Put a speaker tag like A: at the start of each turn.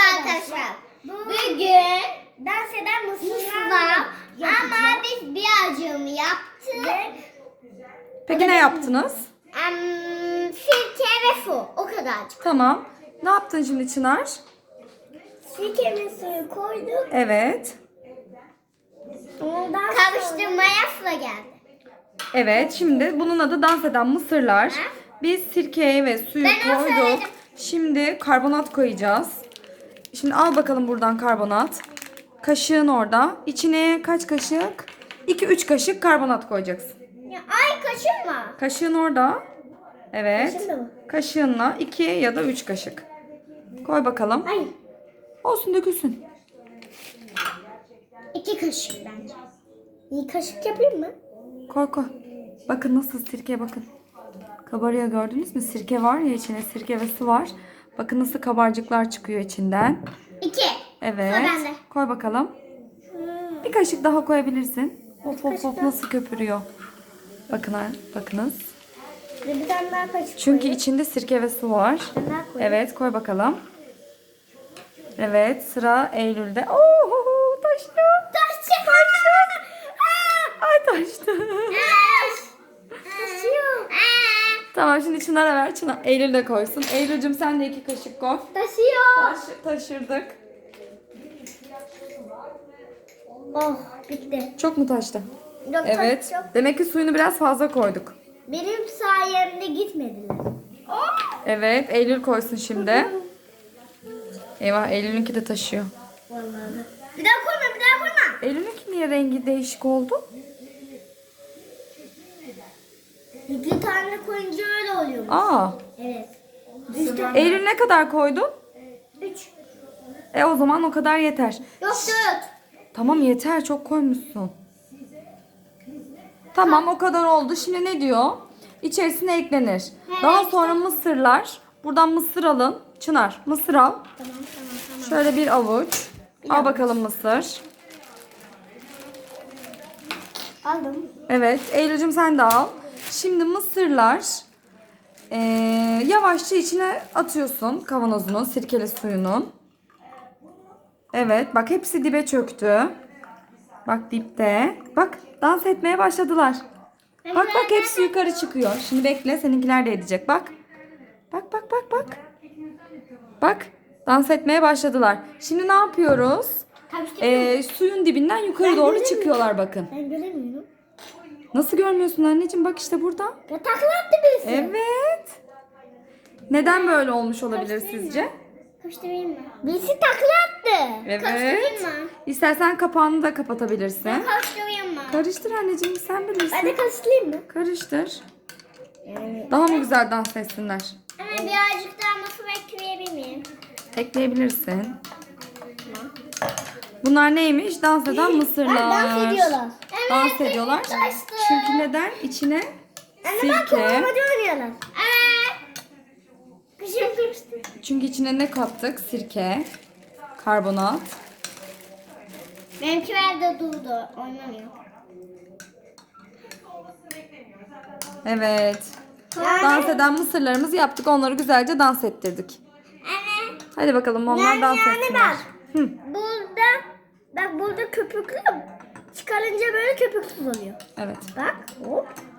A: arkadaşlar. Bugün dans eden mısırlar ama biz birazcığını yaptık.
B: Peki ne yaptınız?
A: Sirke ve su. O kadarcık.
B: Tamam. Ne yaptın şimdi Çınar?
A: Sirke ve suyu koyduk.
B: Evet.
A: Ondan karıştırmaya su geldi.
B: Evet. Şimdi bunun adı dans eden mısırlar. Biz sirkeyi ve suyu
A: Ben onu
B: koyduk.
A: söyledim.
B: Şimdi karbonat koyacağız. Şimdi al bakalım buradan karbonat. Kaşığın orada. İçine kaç kaşık? 2-3 kaşık karbonat koyacaksın.
A: Ya, ay kaşınma.
B: Kaşığın orada. Evet.
A: Kaşığında mı?
B: Kaşığınla 2 ya da 3 kaşık. Koy bakalım.
A: Ay.
B: Olsun, dökülsün.
A: 2 kaşık bence. İyi kaşık yapayım mı?
B: Koy koy. Bakın nasıl sirke, bakın. Kabarıyor, gördünüz mü? Sirke var ya içine, sirke ve su var. Bakın nasıl kabarcıklar çıkıyor içinden.
A: 2.
B: Evet.
A: Sıra bende.
B: Koy bakalım. Bir kaşık daha koyabilirsin. Hop hop hop nasıl köpürüyor. Bakın, bakınız.
A: Bir tane daha kaşık
B: Çünkü
A: koyayım.
B: içinde sirke ve su var.
A: Bir tane daha koyayım.
B: Evet, koy bakalım. Evet, sıra Eylül'de. Oo, taştı. Ay taştı.
A: Taşıyor.
B: Tamam, şimdi Çınar'a ver. Çınar, Eylül de koysun. Eylül'cüm sen de 2 kaşık koy.
A: Taşıyor.
B: Taşırdık.
A: Oh bitti.
B: Çok mu taştı?
A: Yok,
B: Evet.
A: çok.
B: Demek ki suyunu biraz fazla koyduk.
A: Benim sayemde gitmediler.
B: Evet, Eylül koysun şimdi. Eyvah, Eylül'ünki de taşıyor.
A: Vallahi. Bir daha koyma, bir daha koyma.
B: Eylül'ünki niye rengi değişik oldu?
A: 2 tane koyunca öyle oluyor.
B: Aa.
A: Evet.
B: Eylül ne kadar koydun?
A: 3.
B: O zaman o kadar yeter.
A: Yok 4.
B: Tamam, yeter, çok koymuşsun. Tamam, o kadar oldu. Şimdi ne diyor? İçerisine eklenir. Daha sonra mısırlar. Buradan mısır alın. Çınar, mısır al.
A: Tamam.
B: Şöyle bir avuç. Al bakalım mısır.
A: Aldım.
B: Evet, Eylül'cüm sen de al. Şimdi mısırlar yavaşça içine atıyorsun kavanozunun sirkeli suyunun. Evet, bak hepsi dibe çöktü. Bak dipte. Bak, dans etmeye başladılar. Bak bak, hepsi yukarı çıkıyor. Şimdi bekle, seninkiler de edecek. Bak. Bak bak bak bak. Bak, dans etmeye başladılar. Şimdi ne yapıyoruz? Suyun dibinden yukarı doğru çıkıyorlar bakın.
A: Ben göremiyorum.
B: Nasıl görmüyorsun anneciğim? Bak işte burada.
A: Ya takla attı birisi.
B: Evet. Neden böyle olmuş olabilir sizce?
A: Karıştırayım mı? Birisi takla attı.
B: Evet.
A: Karıştırayım mı?
B: İstersen kapağını da kapatabilirsin.
A: Karıştırayım mı?
B: Karıştır anneciğim, sen
A: Ben de
B: bilirsin.
A: karıştırayım mı?
B: Karıştır.
A: Evet.
B: Daha mı güzel dans etsinler?
A: Ama birazcık daha mısır ekleyebilir miyim?
B: Ekleyebilirsin. Bunlar neymiş? Dans eden mısırlar.
A: Dans ediyorlar. Evet.
B: Dans ediyorlar.
A: Taştı.
B: Çünkü neden? İçine
A: Anne bak
B: sirke.
A: kovalamacı oynuyorlar. Evet. Kışım karıştı.
B: Çünkü içine ne kattık? Sirke, karbonat.
A: Benimkiler de durdu. Oynamıyor.
B: Evet. Dans eden mısırlarımızı yaptık. Onları güzelce dans ettirdik.
A: Evet.
B: Hadi bakalım onlar dans etsinler.
A: bak.
B: Hı.
A: Burada köpüklü çıkarınca böyle köpüksüz oluyor.
B: Evet.
A: Bak. Hop.